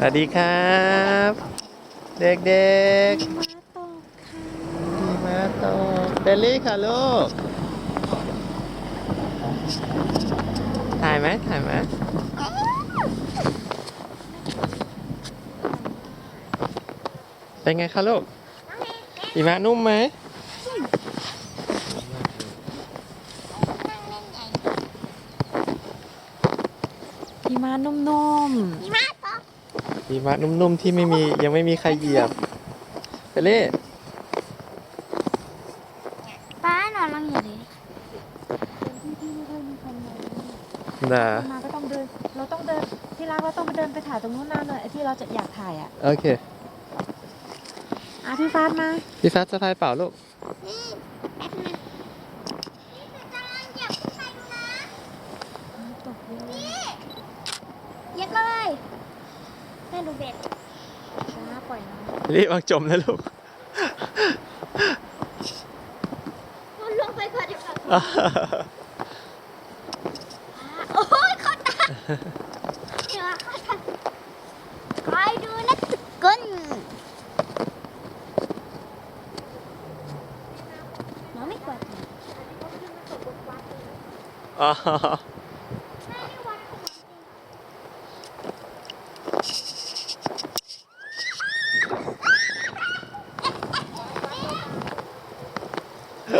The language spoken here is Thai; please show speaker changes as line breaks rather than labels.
วัสดีครับเด็กๆหิมะตกเบลลี่ค่ะลูกถ่ายไหมเป็นไงคะลูกหิมะนุ่มไหม
หิมะนุ่ม
หิมะนุ่มๆที่ยังไม่มีใครเหยียบเบลลี่
ป้านอนลงอยู่เลย
น่ะ
ๆมาก็ต้องเดิน เราต้องเดินที่รักเราต้องไปเดินไปถ่ายตรงนู้นนานเลยไอ้ที่เราจะอยากถ่ายอ่ะ
โอเค
พี่ฟ้ามา
พี่ฟ้าสะพายเปล่าลูก
นี่แป๊บนึงนี่คือกำลังเหยียบขึ้นไปดูนะ
ตกเยอะ
นี่เหยียบเลยแม่ดูเบ็ด
นะปล่อยน้อง
เบลลี่วางจมนะลูก
มันลงไปก่อนดีกว่าโอ้ยเข้าตาเดี๋ยวเข้าตาคอยดูนะทุกคนน้องไม่กลัว
อ๋อ